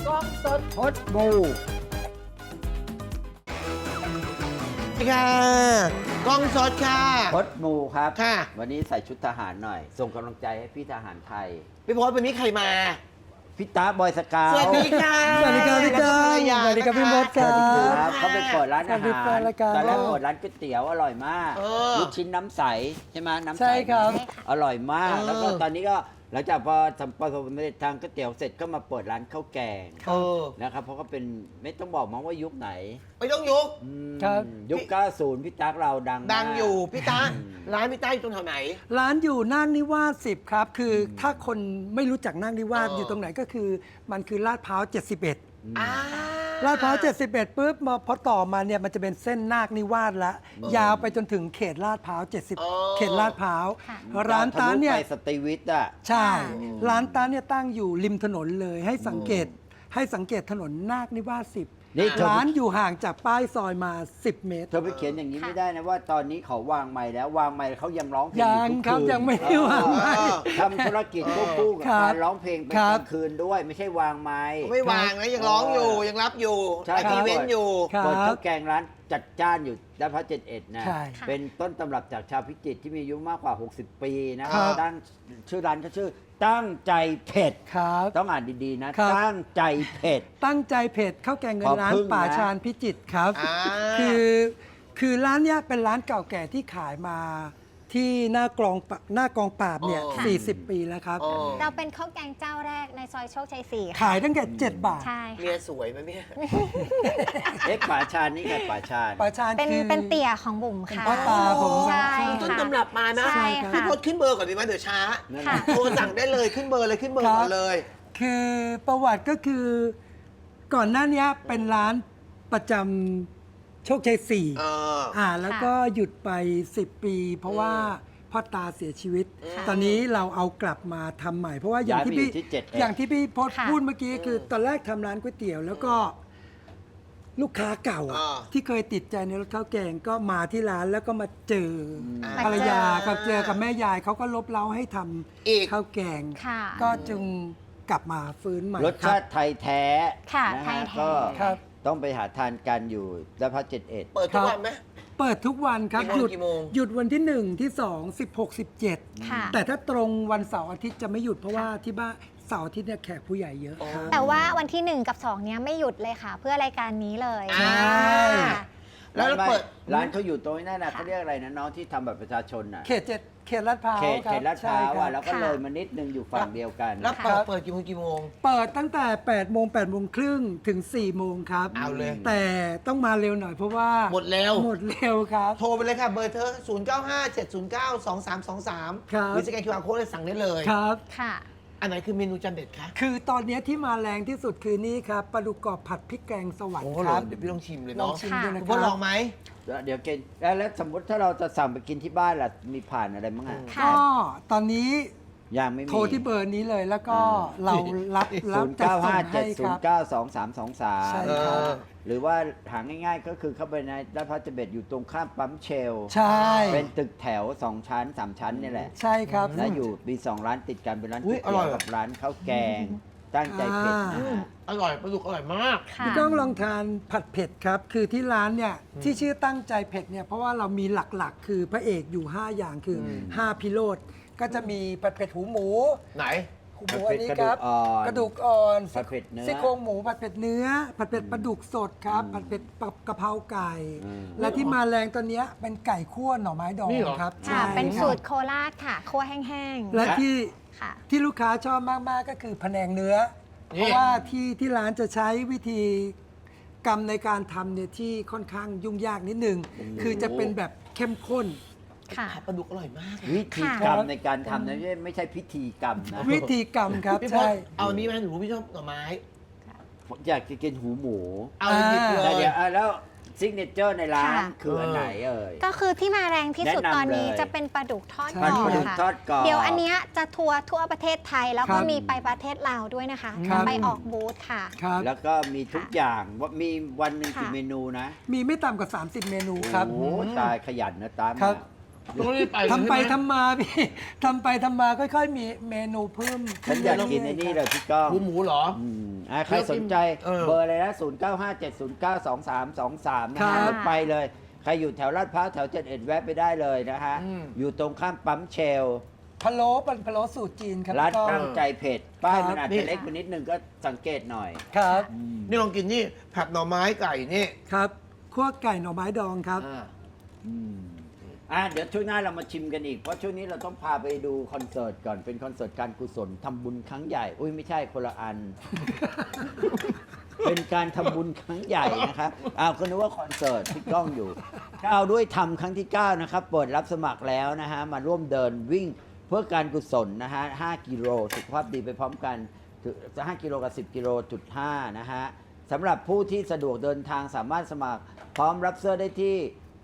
กล้องสดพดบูค่ะกล้องสดค่ะพดบูครับค่ะวันนี้ใส่ชุดทหารหน่อย ส่งกำลังใจให้พี่ทหารไทยพี่พศวันนี้ใครมาพี่ตาบอยสกาวสวัสดีค่ะสวัสดีครับพี่จ้าแล้วก็ภรรยาสวัสดีครับพี่มดสวัสดีครับะเขาไปเปิดร้านอาสวัสดีหาแฟรนรายการตอนแรกเปิดร้านก๋วยเตี๋ยวอร่อยมากเออลูกชิ้นน้ำใสใช่ไหมน้ำใสใช่ครับอร่อยมากเออแล้วก็ตอนนี้ก็หลังจากพอทำประสบความสำเร็จทางก๋วยเตี๋ยวเสร็จก็มาเปิดร้านข้าวแกงเออนะครับเพราะก็เป็นไม่ต้องบอกมั้งว่ายุคไหนไม่ต้องยุกอืมครับยุค 90 พี่ตั๊กเราดังมากดังอยู่พี่ตาร้านพี่ตาอยู่ตรงแถวไหนร้านอยู่นาคนิวาส10 ครับ คือถ้าคนไม่รู้จักนาคนิวาสเออออยู่ตรงไหนก็คือมันคือลาดพร้าว 71 อ่าลาดพร้าว 71ปุ๊บมาพอต่อมาเนี่ยมันจะเป็นเส้นนาคนิวาสละยาวไปจนถึงเขตลาดพร้าว 70 เขตลาดพร้าวร้านตาเนี่ยไปสตรีวิทย์อ่ะใช่ ร้านตาเนี่ยตั้งอยู่ริมถนนเลยให้สังเกตถนนนาคนิวาสนี่ 10 ร้านอยู่ห่างจากป้ายซอยมา 10 เมตรเธอไปเขียนอย่างนี้ไม่ได้นะว่าตอนนี้เขาวางไม้แล้ววางไม้เขายังร้องเพลงอยังทุกครับคืนยังไม่ได้วางไม้ทำธุรกิจควบคู่กับครับการร้องเพลงเป็นครักบลางคืนด้วย ไม่ใช่วางไม้ไม่วางนะยังร้องอยู่ยังรับอยู่ใช่ไออีเวนต์อยู่ครับเปิดข้าวแกงร้านจัดจ้านอยู่ด้านพระ71นะใช่เป็นต้นตำรับจากชาวพิจิตรที่มีอายุมากกว่า 60 ปีนะคครัรับบ ตั้งชื่อร้านเขาชื่อตั้งใจเผ็ดครับต้องอ่านดีๆนะครับตั้งใจเผ็ดตั้งใจเพจข้าวแกงเงิขนอร้านพึ่งนะป่าชาญพิจิตรครับอ่าคือร้านเนี้ยเป็นร้านเก่าแก่ที่ขายมาที่หน้ากองปราบเนี่ยอ๋อ 40 ปีแล้วครับอ๋อเราเป็นข้าวแกงเจ้าแรกในซอยโชคชัย4ค่ะขายตั้งแต่7 บาทใช่เมีค่ะยสวยไหมเนี่ยเอ๊ะป่าชาญนี่ไงป่าชาญป่าชาญเป็นคือเป็นเตี่ยของบุ๋มค่ะพ่อตาผมใช่ต้นค่ะตำรับมานะใช่พี่ค่ะพศขึ้นเบอร์ก่อนดีไหมเดี๋ยวช้านั่นค่ะน่ะโทรสั่งได้เลยขึ้นเบอร์เลยขึ้นเบอร์ก่อนเลยคือประวัติก็คือก่อนหน้านี้เป็นร้านประจำโชคชัยเออแล้วก็หยุดไป 10 ปี เพราะว่าพ่อตาเสียชีวิตค่ะตอนนี้เราเอากลับมาทำใหม่ เพราะว่าอย่างที่ย้ายไปพี่อยู่ที่7 อย่างที่พี่พศค่ะพูดเมื่อกี้คือตอนแรกทำร้านก๋วยเตี๋ยว แล้วก็ลูกค้าเก่าอะอ่าที่เคยติดใจในรสข้าวแกงก็มาที่ร้านแล้วก็มาเจออมภรรยามาเจอกับเจอกับแม่ยายเขาก็ลบเล้าให้ทอีกำข้าวแกงค่ะก็จึงกลับมาฟื้นใหม่รสชาติไทยแท้ค่ะนะไทฮะยแท้ก็ครับต้องไปหาทานกันอยู่ด้านพระ71 เปิดทุกวันไหมเปิดทุกวันครับกี่โมงหยุดวันที่ 1 ที่ 2 16 17 ค่ะแต่ถ้าตรงวันเสาร์อาทิตย์จะไม่หยุดเพราะว่าที่บ้านเสาร์อาทิตย์เนี่ยแขกผู้ใหญ่เยอะครับแต่ว่าวันที่ 1 กับ 2 เนี้ยไม่หยุดเลยค่ะ เพื่อรายการนี้เลยใช่ค่ะแล้วเราเปิดร้านเขาอยู่ตรงนั้นนะเขาเรียกอะไรนะน้องที่ทำบัตรประชาชนน่ะเขต7 เขตลาดพร้าวเขตครับเขตลาดพร้าวใช่คอ่ะบแล้วก็ค่ะเลยมานิดนึงอยู่ฝั่งเดียวกันแล้วครับเปิดกี่โมงเปิดตั้งแต่8 โมง 8 โมงครึ่งถึง 4 โมงครับเอาเลยแต่ต้องมาเร็วหน่อยเพราะว่าหมดแล้วหมดเร็วครับโทรไปเลยค่ะ เบอร์เธอ 0 9 5 7 0 9 2 3 2 3 ครับหรือสแกน QR Code เลยสั่งได้เลยครับค่ะอันไหนคือเมนูจานเด็ดคะคือตอนนี้ที่มาแรงที่สุดคือนี่ครับปลาดุกกรอบผัดพริกแกงสวรรโอ้ค์โหครับเดี๋ยวพี่ลองชิมเลยลองเนาะชิมดูนะคุณคพ่อรับลองไหมเดี๋ยวกินแล้วสมมติถ้าเราจะสั่งไปกินที่บ้านล่ะมีผ่านอะไรบ้างอ่ะค่ะก็ตอนนี้ยังไม่มีโทรที่เบอร์นี้เลยแล้วก็อ่าเรารับศูนย์จัดเก้าส่ห้าง เจ็ให้ดศูคน รับย์เก้าสองสามสองสามใช่เอครับอหรือว่าหาง่ายๆก็คือเข้าไปในด้านพระเบ็ดอยู่ตรงข้ามปั๊มเชลใช่เป็นตึกแถว 2 ชั้น 3 ชั้นนี่แหละใช่ครับและอยู่มี2 ร้านติดกันเป็นร้านอุ๊ก๋วย ยอร่เตี๋อยยวกับร้านข้าวแกง ตั้งใจเผ็ดนะฮะอร่อยปลาดุกอร่อยมากค่ะพี่ก้องลองทานผัดเผ็ดครับ คือที่ร้านเนี่ยที่ชื่อตั้งใจเผ็ดเนี่ยเพราะว่าเรามีหลักๆ คือพระเอกอยู่ 5 อย่างคืออ5พิโรธก็จะมีผัดเผ็ดหูหมูไหนหูหมูอันนี้ครับกระดูกอ่อนกระดูกอ่อนผัดเผ็ดเนื้อซี่โครงหมูผัดเผ็ดเนื้อ ผัดเผ็ดปลาดุกสดครับ ผัดเผ็ดกะเพราไก่อืมและที่มาแรงตัวเนี้ยเป็นไก่คั่วหน่อไม้ดองนี่เหรอครับค่ะใช่เป็นครับสูตรโคราชค่ะ คั่วแห้งๆและที่ค่ะที่ลูกค้าชอบมาก ๆ ก็คือพะแนงเนื้อนี่เพราะว่าที่ร้านจะใช้วิธีกรรมในการทำเนี่ยที่ค่อนข้างยุ่งยากนิดนึง คือจะเป็นแบบเข้มข้นค่ะผัดปลาดุกอร่อยมากวิธีกรรมค่ะในการทำนะไม่ใช่พิธีกรรมนะวิธีกรรมครับพี่พศใช่เอาอันนี้ไหมหนูพี่ชอบหน่อไม้ผมอยากจะกินหูหมูเอาหยิบเลแต่ยเดี๋ยวแล้วซิกเนเจอร์ในร้านค่ะคืออันไหนเอ่ยก็คือที่มาแรงที่สุดแนะนำตอนนี้เลยจะเป็นปลาดุกทอดใช่กรอบปลาดุกค่ะทอดกรอบเดี๋ยวอันเนี้ยจะทัวร์ทั่วประเทศไทยแล้วครัก็บมีไปประเทศลาวด้วยนะคะครับไปออกบูธค่ะครับแล้วก็มีทุกอย่างว่ามีวันหนึ่งกี่ค่ะเมนูนะมีไม่ต่ำกว่า 30 เมนูครับโอ้โหตายขยันนะตามครับมต้องรีบไปทำไปใช่หมทำมาพี่ ทำไปทำมาค่อยๆ มีเมนูเพิ่มฉันอยากกินไอ้นี่เลยพี่ก้องหมูเหรอใครสนใจเออเบอร์เลยนะ0957092323 นะครัฮะบรถไปเลย ใครอยู่แถวลาดพร้าวแถว71แวะไปได้เลยนะฮะ อยู่ตรงข้ามปั๊มเชลพะโล้เป็นพะโล้สูตรจีนครับร้านพี่ก้องตั้งใจเผ็ด ป้ายครับมันอาจจะเล็กไปนิดนึงก็สังเกตหน่อยครับนี่ลองกินนี่ผัดหน่อไม้ไก่นี่ครับคั่วไก่หน่อไม้ดองครับเดี๋ยวช่วงหน้าเรามาชิมกันอีก เพราะช่วงนี้เราต้องพาไปดูคอนเสิร์ตก่อน เป็นคอนเสิร์ตการกุศลทำบุญครั้งใหญ่ อุ้ยไม่ใช่คนละอัน เป็นการทำบุญครั้งใหญ่นะครับก็นึกว่าคอนเสิร์ตที่กล้องอยู่9ด้วยทำครั้งที่ 9 นะครับ เปิดรับสมัครแล้วนะฮะ มาร่วมเดินวิ่งเพื่อการกุศลนะฮะ 5 กิโลสุขภาพดีไปพร้อมกันถึง5 กิโลกับ 10 กิโลจุด5นะฮะสำหรับผู้ที่สะดวกเดินทางสามารถสมัครพร้อมรับเสื้อได้ที่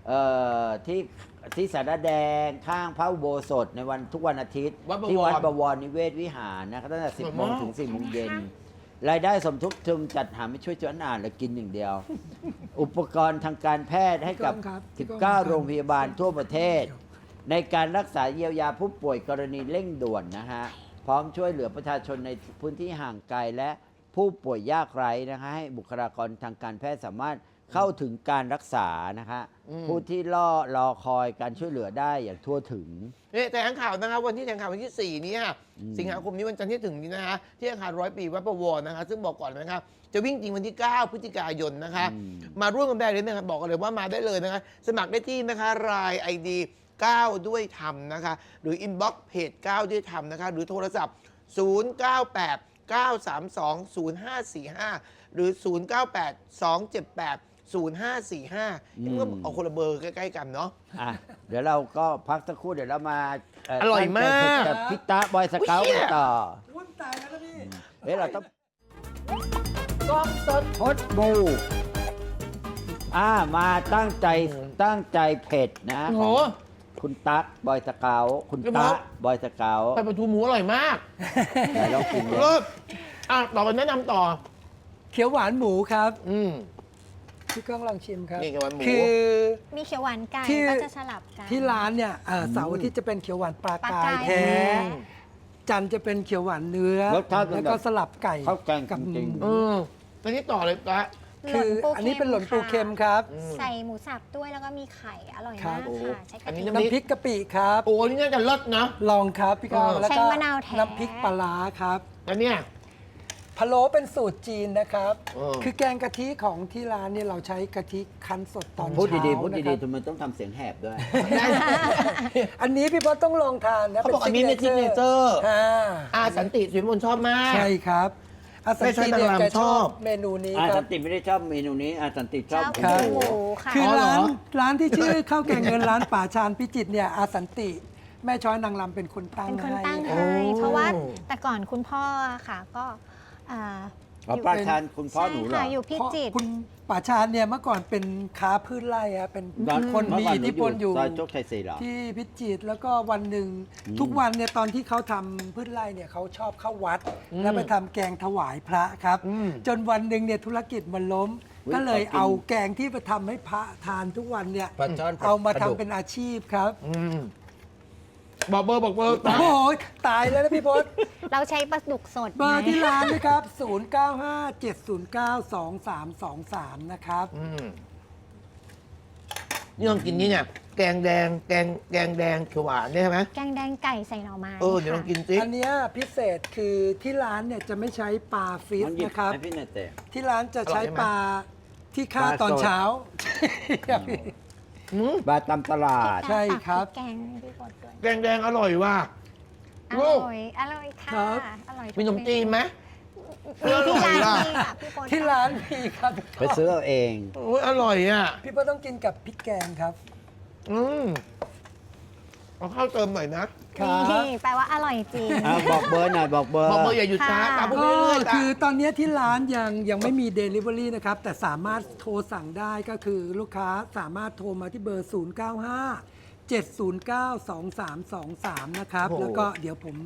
ที่สารแดงข้างพระอุโบสถในวันทุกวันอาทิตย์วัดบวรที่วัดบวรนิเวศวิหารนะครับตั้งแต่ 10 โมงถึง 4 โมงเย็น รายได้สมทบทุนจัดหาไม่ช่วยจนอ่านและกินอย่างเดียว อุปกรณ์ทางการแพทย์ให้กับ 19 โรงพยาบาลทั่วประเทศ ในการรักษาเยียวยาผู้ป่วยกรณีเร่งด่วนนะฮะ พร้อมช่วยเหลือประชาชนในพื้นที่ห่างไกลและผู้ป่วยยากไร้นะคะให้บุคลากรทางการแพทย์สามารถเข้าถึงการรักษานะคะผู้ที่รอคอยการช่วยเหลือได้อย่างทั่วถึงนี่แต่งข่าวนะครับวันที่แถลงข่าววันที่ 4 นี้ค่ะสิงหาคมนี้วันจันทร์ที่ถึงนี้นะคะที่อาคาร100 ปีวัดประวรนะคะซึ่งบอกก่อนนะครับจะวิ่งจริงวันที่ 9 พฤศจิกายนนะคะมาร่วมกันได้เลยนะครับบอกกันเลยว่ามาได้เลยนะคะสมัครได้ที่นะคะราย ID 9 ด้วยธรรมนะคะหรืออินบ็อกซ์เพจ9 ด้วยธรรมนะคะหรือโทรศัพท์ 098 932 0545 หรือ 098 278 0545นี่ก็เอาคนละเบอร์ใกล้ๆกันเนาะเดี๋ยวเราก็พักสักครู่เดี๋ยวเรามาอร่อยมากกับพิตาบอยสเกาต์กันต่อวุ้นตายแล้วนะพี่เราต้องกล้องสดพดบูมาตั้งใจเผ็ดนะโอ้โหของคุณตั๊กบอยสเกาต์คุณเดี๋ยวตะผมบอยสเกาต์ไปประตูหมูอร่อยมากไหนลองกินเลยเลิศต่อไปแนะนำต่อเขียวหวานหมูครับอืมพี่ก้องลองชิมครับนี่เขียวหวานหมูคือมีเขียวหวานไก่ที่ก็จะสลับกันที่ร้านเนี่ยเสาร์อาที่จะเป็นเขียวหวานปลาปลากายกายแท้ จันทร์จะเป็นเขียวหวานเนื้อรสชาติเป็นแล้วก็แบบสลับไก่ข้าวแกงกับจริงอืมแล้วนี่ต่อเลยปะคืออันนี้เป็นหล่นปูเค็มครับใส่หมูสับด้วยแล้วก็มีไข่อร่อยครัมาบกค่ะใช้กะอันนี้ทิน้ำน้ำพริกกะปิครับโอ้นี่น่าจะเลิศนะลองครับพี่ก้อง แล้วก็ใช้มะนาวแท้น้ำพริกปลาร้าครับแล้วเนี่ยพะโล้เป็นสูตรจีนนะครับเออคือแกงกะทิของที่ร้านเนี่ยเราใช้กะทิคั้นสดตอนพูดเช้าดีๆพูดนะคดีรับๆทำไมต้องทำเสียงแหบด้วยอันนี้พี่พศต้องลองทานนะเขาบอกอันนี้เป็นซิกเนเจอร์ สันติสุวิมลชอบมากใช่ครับอาสันติเนี่ยไม่ใช่นางรำแกชอบเมนูนี้คสัรับนติไม่ได้ชอบเมนูนี้สันติชอบชอบครับหมูค่ะคือเหรอร้านที่ชื่อข้าวแกงเงินร้านป่าชานพิจิตรเนี่ยอาสันติ แม่ช้อยนางรำเป็นคนตั้งเป็นคนให้ตั้งโอ้ให้เพราะว่าแต่ก่อนคุณพ่อค่ะก็อ่าป้าทานคุณพ่อหนูเหรอใช่ค่ะอยู่พิเพราะจิตรคุณป่าชานเนี่ยเมื่อก่อนเป็นค้าพืชไร่ครับเป็นร้านคนมีเมื่อก่อิทธิพลอยู่ซอยโชคชัย4เหรอที่พิจิตรแล้วก็วันหนึ่งทุกวันเนี่ยตอนที่เขาทำพืชไร่เนี่ยเขาชอบเข้าวัด แล้วไปทำแกงถวายพระครับ จนวันหนึ่งเนี่ยธุรกิจมันล้มอุ๊ยก็เลยขอกินเอาแกงที่ไปทำให้พระทานทุกวันเนี่ยปลาช่อนเอามาปลาดุกทำเป็นอาชีพครับบอกเบอร์โอ้โหตายแล้วนะพี่พศเราใช้ปลาดุกสดเบอร์ไงที่ร้านนะครับ 0957092323 นะครับนี่ลองกินนี่เนี่ยแกงแดงแกงแดงเขียวหวานเนี่ยใช่ไหมแกงแดงไก่ใส่หน่อไม้เดี๋ยวลองค่ะกินสิอันเนี้ยพิเศษคือที่ร้านเนี่ยจะไม่ใช้ปลาฟิสมันหยิบนะครับให้พี่หน่อยเตะที่ร้านจะใช้อร่อยไหมปลาที่ฆ่าปลาตอนสดเช้าบาตามตลาดใช่ครับแกงให้พี่พศด้วยแกงแดงอร่อยว่ะอลูกร่อยอร่อยค่ะครับอร่อยทุกมีขนมจีนไหมมีที่ร้านอร่อยล่ะมีค่ะพี่พศที่ร้านมีครับไปซื้อเอาเองโอ้ยอร่อยอ่ะพี่เปิ้ลต้องกินกับพริกแกงครับเอาข้าวเติมหน่อยนะครับนี่แปลว่าอร่อยจริงบอกเบอร์หน่อยบอกเบอร์บอกเบอร์อย่าหยุดช้าค่ะตามพวกก็นี้เรื่อยๆคือตอนนี้ที่ร้านยังไม่มี Delivery นะครับ แต่สามารถโทรสั่งได้ก็คือลูกค้าสามารถโทรมาที่เบอร์ 095 709 2323 นะครับ แล้วก็เดี๋ยวผม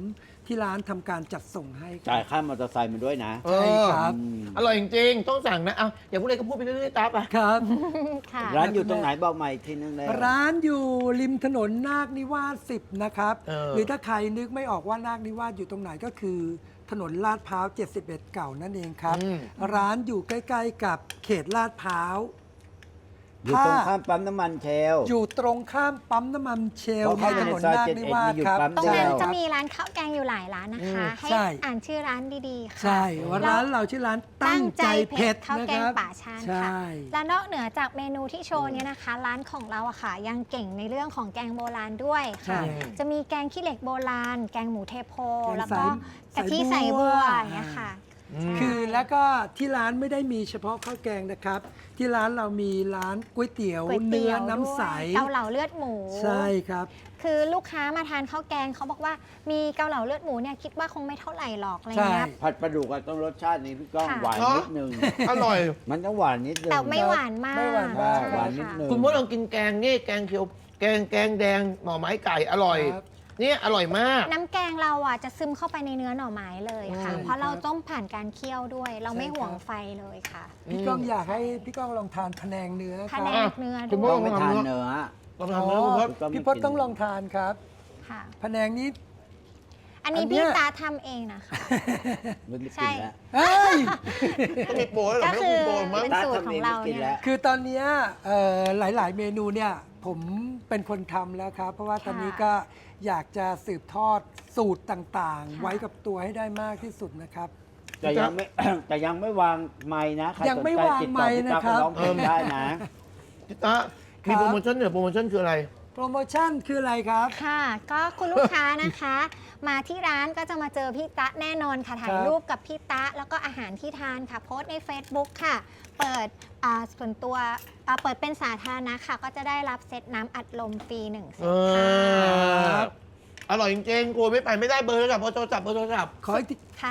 ที่ร้านทำการจัดส่งให้คจ่ารัยบค่ามอเตอร์ไซค์มาด้วยนะเอใช่อครับอร่อยจริงๆต้องสั่งนะเอาอย่าพูดอะไรก็พูดไปเรื่อยๆตาไปครับค่ะร้านอยู่ตรงไหนบอกใหม่อีกทีนึงเลยร้านอยู่ริมถนนนาคนิวาส10 นะครับเออหรือถ้าใครนึกไม่ออกว่านาคนิวาสอยู่ตรงไหนก็คือ ถนนลาดพร้าว 71 เก่านั่นเองครับ ร้านอยู่ใกล้ๆกับเขตลาดพร้าวอยู่ตรงข้ามปั๊มน้ำมันเชลอยู่ตรงข้ามปั๊มน้ำมันเชลพอในเข้าไปถในนนซอยนาค 71 นิวาสมีอยู่ครับปั๊มตรงเชนั้นลจะมีร้านข้าวแกงอยู่หลายร้านนะคะ ให้ใช่อ่านชื่อร้านดีๆค่ะใช่ว่าร้านเราชื่อร้านตั้งใจเผ็ดข้าวนะแกคงรับป่าชานใช่ค่ะ และนอกเหนือจากเมนูที่โชว์เนี่ยนะคะ ร้านของเราอะค่ะ ยังเก่งในเรื่องของแกงโบราณด้วยค่ะใช่จะมีแกงขี้เหล็กโบราณ แกงหมูเทโพแกงแล้วก็ใส่กะทิใส่ใส่บับัววอย่างเงี้ยค่ะใช่คือแล้วก็ที่ร้านไม่ได้มีเฉพาะข้าวแกงนะครับ ที่ร้านเรามีร้านก๋วยเตี๋ยวก๋วยเนื้เตี๋อยวน้ำใสด้วยเกาเหลาเลือดหมูใช่ครับคือลูกค้ามาทานข้าวแกงเขาบอกว่ามีเกาเหลาเลือดหมูเนี่ยคิดว่าคงไม่เท่าไหร่หรอกอะไรเงี้ยใช่ผัดปลาดุกอะต้องรสชาตินี้พี่ก้องค่ะหวานนิดนึงอร่อยมันต้องหวานนิดนึงแต่ไม่หวานมากไม่หวานมากใช่หวานนิดนึงคุณมดลองกินแกงนี่แกงเขียวแกงแดงหน่อไม้ไก่อร่อยครับเนี่ยอร่อยมากน้ำแกงเราอ่ะจะซึมเข้าไปในเนื้อหน่อไม้เลยค่ะอืมเพราะเราต้มผ่านการเคี่ยวด้วย เราไม่ใช่ห่วงครับไฟเลยค่ะพี่ก้องอยากให้พี่ก้องลองทานพะแนงเนื้อคพะรับแนงเนื้อคุด้ณวพ่ยไม่ทานเนื้อลองทำเนื้อคุณมดก็ไม่พี่พศกินต้องลองทานครับค่ะพะแนงนี้อันนี้อันเนี้พี่ยตาทำเองนะคะไม่ได้ใช่กินแล้วเอ้ยต้องมีโปรแล้วเหรอก็ไม่ต้องคือมีโปรมั้งเป็นสูตรของเรากินเนี่แล้ยวคือตอนเนี้ยหลาย ๆ เมนูเนี่ยผมเป็นคนทำแล้วครับ เพราะว่าค่ะตอนนี้ก็อยากจะสืบทอดสูตรต่าง ๆค่ะไว้กับตัวให้ได้มากที่สุดนะครับแต่ยังไม่ แต่ยังไม่วางไม้นะใครยังสนไม่ใจวางติดไมต่อค์พี่นะตั๊กครับร้องเพลงได้นะพี่ตามีโปรโมชั่นเหรอโปรโมชั่นคืออะไรโปรโมชั่นคืออะไรครับค่ะ ก็คุณลูกค้านะคะ มาที่ร้านก็จะมาเจอพี่ตะแน่นอนค่ะ ถ่ายครับรูปกับพี่ตะแล้วก็อาหารที่ทานค่ะ โพสต์ใน Facebook ค่ะ เปิดส่วนตัวเปิดเป็นสาธารณะค่ะ ก็จะได้รับเซตน้ำอัดลมฟรี1เซตค่ะอร่อยจริงๆกลัวไม่ไปไม่ได้เบอร์แล้วกับโทรศัพท์เบอร์โทรศัพท์ขออีกทีค่ะ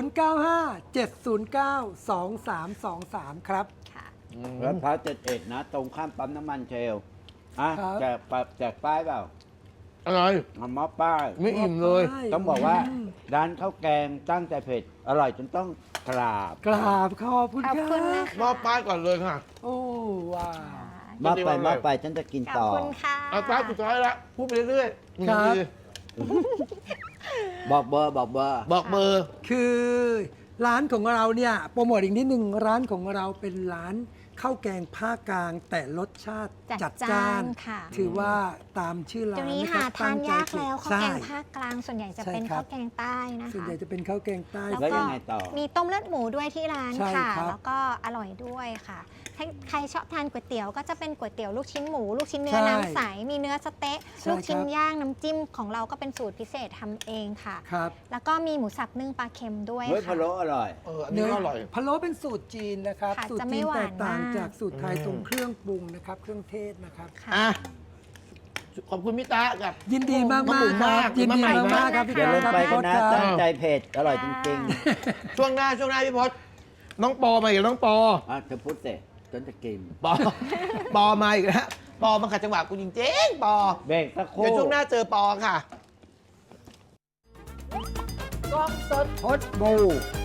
0957092323 ครับค่ะแล้วพร้าว71นะ ตรงข้ามปั๊มน้ำมันเชลอ่ะครับแจกป้ายเปล่าอร่อยเอามอบป้ายไม่อิ่มเลยต้องบอกว่าร้านข้าวแกงตั้งใจเผ็ด อร่อยจนต้องกราบกราบขอบคุณขอบคคุณรันะบคะมอบป้ายก่อนเลยค่ะโอ้ว้าวมอบไปจริงๆมอบไปฉันจะกินขอบต่อคุณค่ะเอาป้ายสุดท้ายละพูดไปเรื่อยๆครับนาทีบอกเบอร์บอกเบอร์บอกเบอร์คือร้านของเราเนี่ยโปรโมทอีกนิดนึงร้านของเราเป็นร้านข้าวแกงภาคกลาง แต่รสชาติจัจัดดจ้าจ้านนค่ะถือว่าตามชื่อร้าเดี๋ยวน นี้นะคหารับทานยากแล้วข้าวแกงใช่ภาคกลางส่วนใหญ่จะใช่เป็นครับข้าวแกงใต้นะส่วนคะใหญ่จะเป็นข้าวแกงใต้แล้วแล้วก็ยังไงต่อมีต้มเลือดหมูด้วยที่ร้านใช่ค่ะครับแล้วก็อร่อยด้วยค่ะถ้าใครชอบทานก๋วยเตี๋ยวก็จะเป็นก๋วยเตี๋ยวลูกชิ้นหมู ลูกชิ้นเนื้อใช่น้ำใส มีเนื้อสะเต๊ะใช่ลูกชิ้นครับย่างน้ำจิ้มของเราก็เป็นสูตรพิเศษทำเองค่ะครับแล้วก็มีหมูสับนึ่งปลาเค็มด้วยเฮ้ยค่ะพะโล้อร่อยอันนี้ก็อร่อยพะโล้เป็นสูตรจีนนะครับค่ะสูตรจะไม่จีนหวาแตนกต่างมากจากสูตรไทยอืมตรงเครื่องปรุงนะครับ เครื่องเทศนะครับค่ะอ่ะขอบคุณพี่ตากับยินดีมากน้องหมูๆคมารักบยินดีมาใหม่นะมากๆครับพี่อย่าลืมครับไปพี่พกันศนะครับ ตั้งใจครับเผ็ด อร่อยจริงช่วงหน้าพี่พศน้องปอมาอีกแล้วน้องปอๆอ่ะเธอพูดเสร็จจนจะกินปอมาอีกแล้วปอมาขัดจังหวะกูจริงๆปอเบรกสักครู่เดี๋ยวช่วงหน้าเจอปอค่ะพดบู